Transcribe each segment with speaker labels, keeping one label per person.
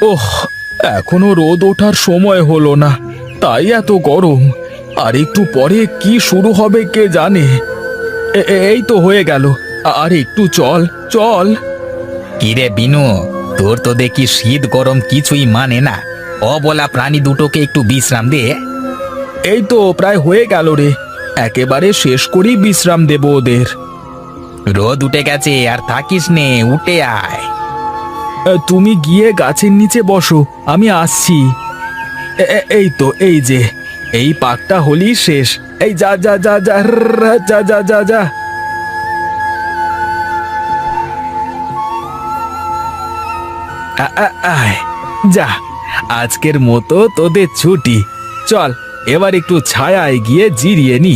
Speaker 1: ওহ, এখনো রোদ ওঠার সময় হলো না, তাই এত গরম। আর একটু পরে কি শুরু হবে কে জানে। এই তো হয়ে গেল। আর একটু চল চল।
Speaker 2: কিরে বিনু, তোর তো দেখি শীত গরম কিছুই মানে না। অবলা প্রাণী দুটোকে একটু বিশ্রাম দে।
Speaker 1: এই তো প্রায় হয়ে গেল রে, একেবারে শেষ করেই বিশ্রাম দেব ওদের।
Speaker 2: রোদ উঠে গেছে, আর থাকিস নে, উঠে আয়।
Speaker 1: তুমি গিয়ে গাছের নিচে বসো, আমি আসছি। এই তো, এই যে এই পাকটা হলেই শেষ। এই যা যা যা যা যা যা যা যা। আয়, যা, আজকের মতো তোদের ছুটি। চল এবার একটু ছায়ায় গিয়ে জিরিয়ে নি।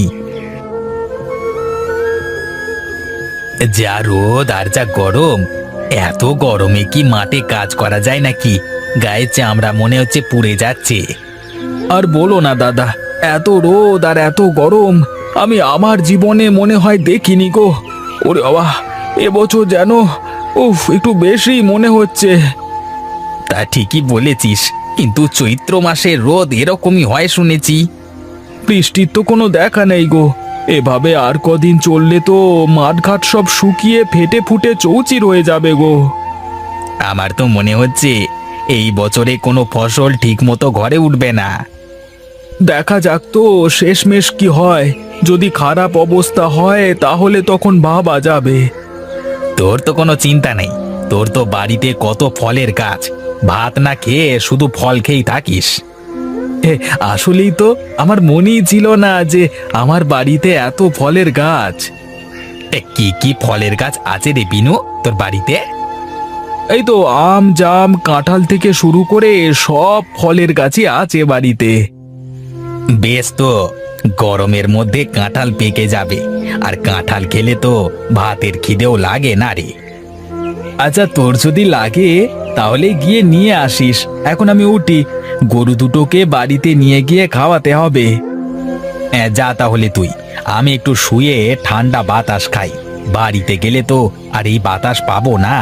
Speaker 2: যা রোদ আর যা গরম, এত গরমে কি মাঠে কাজ করা যায় নাকি? গায়ে চামড়া মনে হচ্ছে পুড়ে যাচ্ছে।
Speaker 1: আর বলো না দাদা, এত রোদ আর এত গরম আমি আমার জীবনে মনে হয় দেখিনি গো। ওরে বাবা, এবছর যেন একটু বেশি মনে হচ্ছে।
Speaker 2: তা ঠিকই বলেছিস, কিন্তু চৈত্র মাসে রোদ এরকমই হয় শুনেছি।
Speaker 1: বৃষ্টির তো কোনো দেখা নেই গো। এভাবে আর কদিন চললে তো মাঠঘাট সব শুকিয়ে ফেটে ফুটে চৌচির হয়ে যাবে গো।
Speaker 2: আমার তো মনে হচ্ছে এই বছরে কোনো ফসল ঠিক মতো ঘরে উঠবে না।
Speaker 1: দেখা যাক তো শেষমেশ কি হয়। যদি খারাপ অবস্থা হয় তাহলে তখন ভাবা যাবে।
Speaker 2: তোর তো কোনো চিন্তা নেই, তোর তো বাড়িতে কত ফলের গাছ, ভাত না খেয়ে শুধু ফল খেয়েই থাকিস।
Speaker 1: আসলেই তো আমার মনেই ছিল না যে আমার বাড়িতে এত ফলের গাছ।
Speaker 2: কি কি ফলের গাছ আছে রে বিনু তোর বাড়িতে?
Speaker 1: এই তো আম জাম কাঁঠাল থেকে শুরু করে সব ফলের গাছই আছে বাড়িতে।
Speaker 2: বেশ তো, গরমের মধ্যে কাঁঠাল পেকে যাবে, আর কাঁঠাল খেলে তো ভাতের খিদেও লাগে না রে।
Speaker 1: আচ্ছা, তোর যদি লাগে তাহলে গিয়ে নিয়ে আসিস। এখন আমি উঠি, গরু দুটোকে বাড়িতে নিয়ে গিয়ে খাওয়াতে হবে।
Speaker 2: হ্যাঁ, যা তাহলে তুই, আমি একটু শুয়ে ঠান্ডা বাতাস খাই। বাড়িতে গেলে তো আর এই বাতাস পাবো না।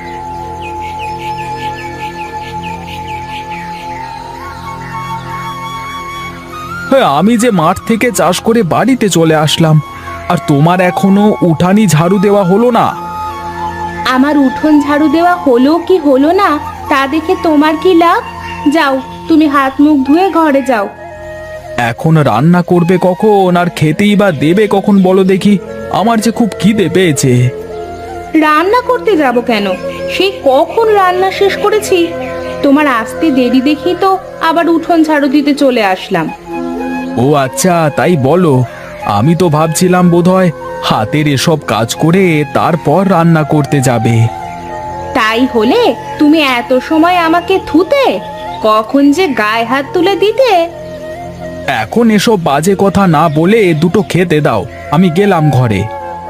Speaker 1: হ্যাঁ, আমি যে মাঠ থেকে চাষ করে বাড়িতে চলে আসলাম, আর তোমার এখনো উঠানি ঝাড়ু দেওয়া হলো না।
Speaker 3: আমার উঠোন ঝাড়ু দেওয়া হলো কি হলো না তা দেখে তোমার কি লাভ? যাও, তুমি হাত মুখ ধুয়ে ঘরে যাও।
Speaker 1: এখন রান্না করবে কখন আর খেতেই বা দেবে কখন বলো দেখি? আমার যে খুব খিদে পেয়েছে।
Speaker 3: রান্না করতে যাব কেন? সেই কখন রান্না শেষ করেছি। তোমার আসতে দেরি দেখি তো আবার উঠোন ঝাড়ু দিতে চলে আসলাম।
Speaker 1: ও আচ্ছা, তাই বলো। আমি তো ভাবছিলাম বোধহয় হাতের এসব কাজ করে তারপর রান্না করতে যাবে।
Speaker 3: তাই হলে তুমি এত সময় আমাকে থুতে, কখন যে গায়ে হাত তুলে দিতে।
Speaker 1: এখন এসব বাজে কথা না বলে দুটো খেতে দাও, আমি গেলাম ঘরে।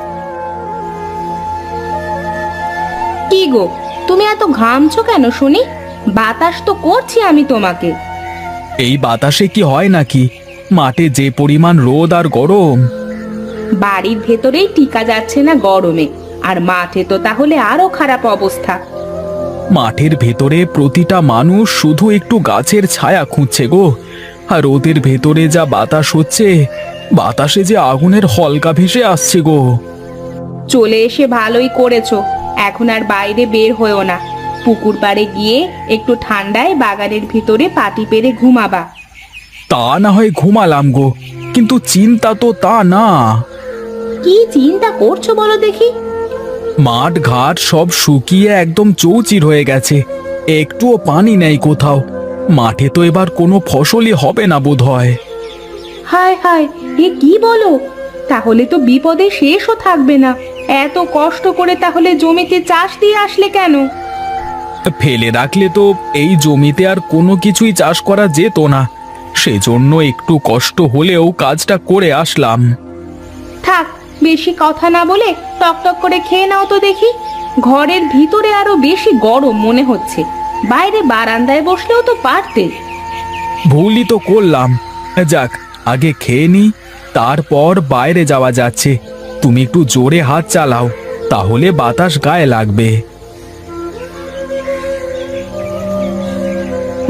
Speaker 3: কি গো, তুমি এত ঘামছো কেন শুনি? বাতাস তো করছি আমি তোমাকে।
Speaker 1: এই বাতাসে কি হয় নাকি? মাঠে যে পরিমাণ রোদ আর গরম।
Speaker 3: বাড়ির ভেতরেই টিকা যাচ্ছে না গরমে, আর মাঠে তো তাহলে আরো খারাপ অবস্থা।
Speaker 1: মাঠের ভেতরে প্রতিটা মানুষ শুধু একটু গাছের ছায়া খুঁজছে গো। আর ওদের ভেতরে যা বাতাস হচ্ছে, বাতাসে যে আগুনের হলকা ভেসে আসছে গো।
Speaker 3: চলে এসে ভালোই করেছো। এখন আর বাইরে বের হয়েও না। পুকুর পাড়ে গিয়ে একটু ঠান্ডায় বাগানের ভিতরে পাটি পেরে ঘুমাবা।
Speaker 1: তা না হয় ঘুমালাম গো, কিন্তু চিন্তা তো তা না।
Speaker 3: কি চিন্তা করছো বলো দেখি?
Speaker 1: মাঠ ঘাট সব শুকিয়ে একদম চৌচির হয়ে গেছে, একটুও পানি নেই কোথাও। মাঠে তো এবার কোনো ফসলই হবে না বোধহয়।
Speaker 3: হায় হায়, এ কি বলো? তাহলে তো বিপদে শেষও থাকবে না। এত কষ্ট করে তাহলে জমিতে চাষ দিয়ে আসলে কেন?
Speaker 1: ফেলে রাখলে তো এই জমিতে আর কোনো কিছুই চাষ করা যেত না, সেজন্য একটু কষ্ট হলেও কাজটা করে আসলাম।
Speaker 3: থাক, বেশি কথা না বলে টকটক করে খেয়ে নাও তো দেখি। ঘরের ভিতরে আরো বেশি গরম মনে হচ্ছে। বাইরে বারান্দায় বসলেও তো পারতে।
Speaker 1: ভুলই তো করলাম। যাক, আগে খেয়ে নি, তারপর বাইরে যাওয়া যাচ্ছে। তুমি একটু জোরে হাত চালাও, তাহলে বাতাস গায়ে লাগবে।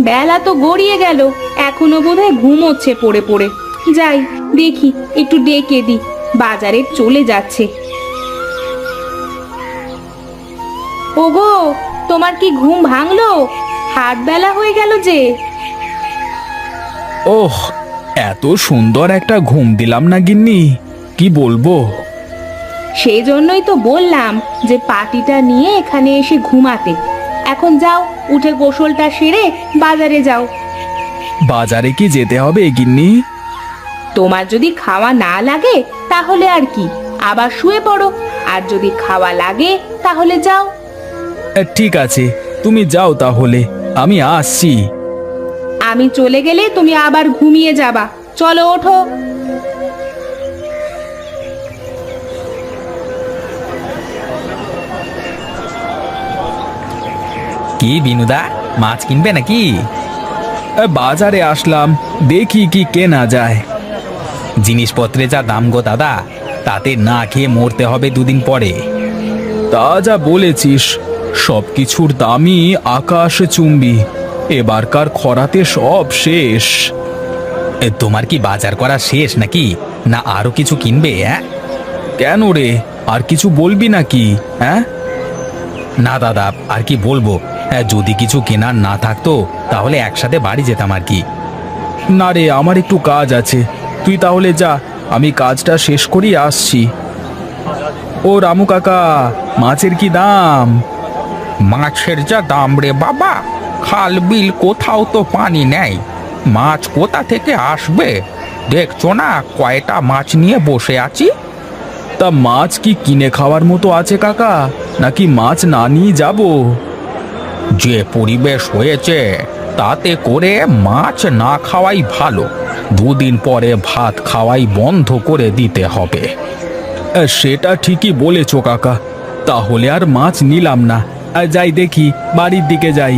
Speaker 3: বেলা তো গড়িয়ে গেল, এখনো বোধহয় ঘুমোচ্ছে পড়ে পড়ে। যাই দেখি, একটু ডেকে দি, বাজারে চলে যাচ্ছে। ওগো, তোমার কি ঘুম ভাঙলো? হাট বেলা হয়ে গেল যে।
Speaker 1: ওহ, এত সুন্দর একটা ঘুম দিলাম না গিন্নি, কি বলবো।
Speaker 3: সেই জন্যই তো বললাম যে পাটিটা নিয়ে এখানে এসে ঘুমাতে। এখন যাও, উঠে গোসলটা সেরে বাজারে যাও।
Speaker 1: বাজারে কি যেতে হবে গিন্নি?
Speaker 3: তোমার যদি খাওয়া না লাগে তাহলে আর কি, আবার শুয়ে পড়ো। আর যদি খাওয়া লাগে তাহলে যাও।
Speaker 1: ঠিক আছে, তুমি যাও তাহলে, আমি আসছি।
Speaker 3: আমি চলে গেলে তুমি আবার ঘুমিয়ে যাবা। চলো, ওঠো।
Speaker 2: কি বিনুদা, মাছ কিনবে নাকি?
Speaker 1: বাজারে আসলাম, দেখি কি কেনা যায়।
Speaker 2: জিনিসপত্রে যা দাম গো দাদা, তাতে না খেয়ে মরতে হবে দুদিন পরে।
Speaker 1: তা যা বলেছিস, সবকিছুর দামই আকাশ চুম্বি। এবারকার খরাতে সব শেষ।
Speaker 2: তোমার কি বাজার করা শেষ নাকি, না আরো কিছু কিনবে?
Speaker 1: কেন রে, আর কিছু বলবি নাকি? হ্যাঁ,
Speaker 2: না দাদা, আর কি বলবো। যদি কিছু কেনার না থাকতো তাহলে একসাথে বাড়ি যেতাম আর কি।
Speaker 1: না রে, আমার একটু কাজ আছে, তুই তাহলে যা, আমি কাজটা শেষ করি আসছি। ও রামু কাকা, মাছের কি দাম?
Speaker 2: মাছের যা দাম রে বাবা, খাল বিল কোথাও তো পানি নেই, মাছ কোথা থেকে আসবে? দেখছো না কয়টা মাছ নিয়ে বসে আছি।
Speaker 1: তা মাছ কি কিনে খাওয়ার মতো আছে কাকা, নাকি মাছ না নিয়ে যাব?
Speaker 2: যে পরিবেশ হয়েছে তাতে করে মাছ না খাওয়াই ভালো, দুদিন পরে ভাত খাওয়াই বন্ধ করে দিতে হবে।
Speaker 1: সেটা ঠিকই বলেছো কাকা, তাহলে আর মাছ নিলাম না। যাই দেখি, বাড়ির দিকে যাই।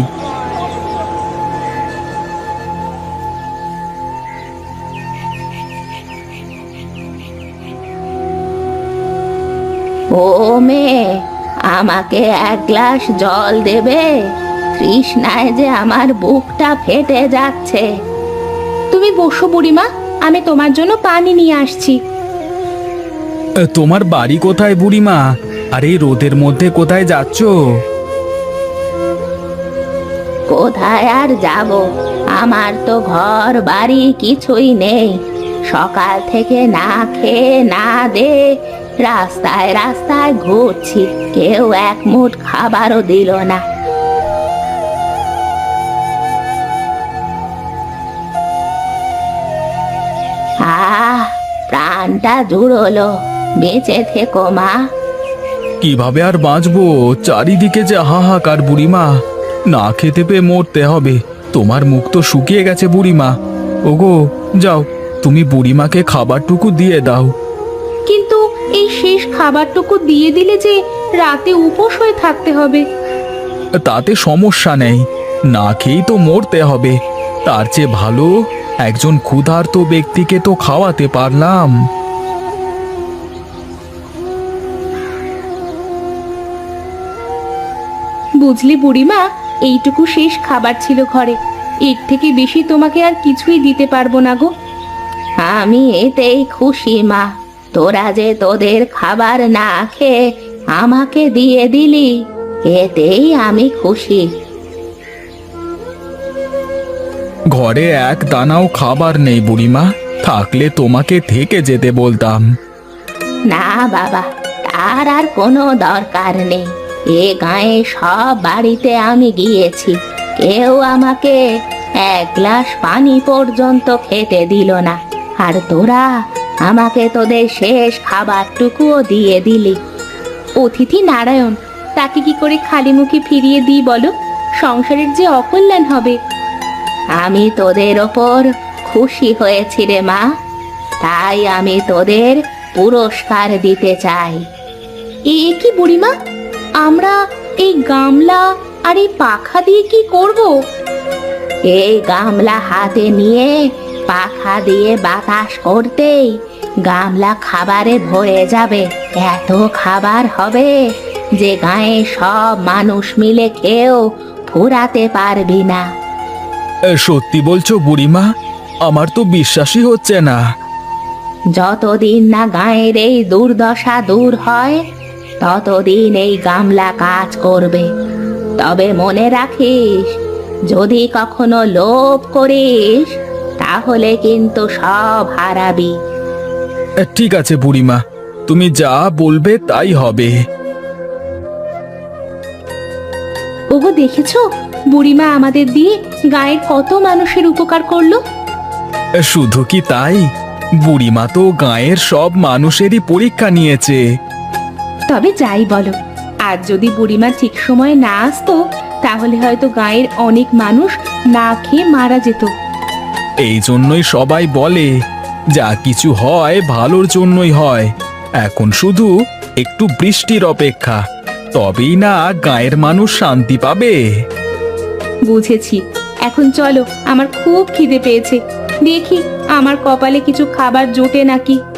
Speaker 3: ও মেয়ে, আমাকে এক গ্লাস জল দেবে? তৃষ্ণায় যে আমার বুকটা ফেটে যাচ্ছে। তুমি বসো বুড়িমা, আমি তোমার জন্য পানি নিয়ে আসছি।
Speaker 1: তোমার বাড়ি কোথায় বুড়িমা? আর এই রোদের মধ্যে কোথায় যাচ্ছ?
Speaker 3: কোথায় আর যাব, আমার তো ঘর বাড়ি কিছুই নেই। সকাল থেকে না খেয়ে না দে রাস্তায় রাস্তায় ঘুরছি, কেউ এক মুঠ খাবারও দিল না। প্রাণটা জুড়লো, বেঁচে থেকো মা।
Speaker 1: কিভাবে আর বাঁচবো, চারিদিকে যে হাহাকার বুড়িমা, না খেতে পেয়ে মরতে হবে। তোমার মুখ তো শুকিয়ে গেছে বুড়িমা। ওগো, যাও, তুমি বুড়িমাকে খাবারটুকু দিয়ে দাও।
Speaker 3: কিন্তু এই শেষ খাবারটুকু দিয়ে দিলে যে রাতে উপোস হয়ে থাকতে হবে।
Speaker 1: তাতে সমস্যা নেই, না খেয়েই তো মরতে হবে। তার চেয়ে ভালো একজন ক্ষুধার্ত ব্যক্তিকে তো খাওয়াতে পারলাম।
Speaker 3: বুঝলি বুড়িমা, এইটুকু শেষ খাবার ছিল ঘরে, এর থেকে বেশি তোমাকে আর কিছুই দিতে পারবো না গো। আমি এতেই খুশি মা, তোরা যে তোদের খাবার না খেয়ে আমাকে দিয়ে দিলি, এতেই আমি খুশি।
Speaker 1: ঘরে এক দানাও খাবার নেই বুড়িমা, থাকলে তোমাকে থেকে যেতে বলতাম।
Speaker 3: না বাবা, তার আর কোনো দরকার নেই। এ গায়ে সব বাড়িতে আমি গিয়েছি, কেউ আমাকে এক গ্লাস পানি পর্যন্ত খেতে দিল না। আর তোরা আমাকে তোদের শেষ খাবারটুকুও দিয়ে দিলি। অতিথি নারায়ণ, তাকে কি করে খালি মুখে ফিরিয়ে দিই বলো? সংসারের যে অকল্যাণ হবে। আমি তোদের ওপর খুশি হয়েছি রে মা, তাই আমি তোদের পুরস্কার দিতে চাই। এ কি বুড়িমা, আমরা এই গামলা আর এই পাখা দিয়ে কি করব? এই গামলা হাতে নিয়ে পাখা দিয়ে বাতাস করতেই গামলা খাবারে ভরে যাবে। এত খাবার হবে যে গায়ে সব মানুষ মিলে খেয়েও ফুরাতে পারবি না।
Speaker 1: সত্যি বলছো বুড়িমা? আমার তো বিশ্বাসই হচ্ছে না।
Speaker 3: যতদিন না গায়ের এই দুর্দশা দূর হয় ততদিন এই গামলা কাজ করবে। তবে মনে রাখিস, যদি কখনো লোভ করিস তাহলে কিন্তু সব হারাবি।
Speaker 1: ঠিক আছে বুড়িমা, তুমি যা বলবে তাই হবে।
Speaker 3: ওগো, দেখেছো বুড়িমা আমাদের দিয়ে গায়ের কত মানুষের উপকার করলো।
Speaker 1: শুধু কি তাই, বুড়িমা তো গাঁয়ের সব মানুষেরই পরীক্ষা নিয়েছে।
Speaker 3: তবে যাই বলো, আর যদি বুড়িমা ঠিক সময়ে না আসতো তাহলে হয়তো গায়ের অনেক মানুষ না খেয়ে মারা যেত।
Speaker 1: এই জন্যই সবাই বলে, যা কিছু হয় ভালোর জন্যই হয়। এখন শুধু একটু বৃষ্টির অপেক্ষা, তবেই না গাঁয়ের মানুষ শান্তি পাবে।
Speaker 3: বুঝেছি, এখন চলো, আমার খুব খিদে পেয়েছে। দেখি আমার কপালে কিছু খাবার জোটে নাকি।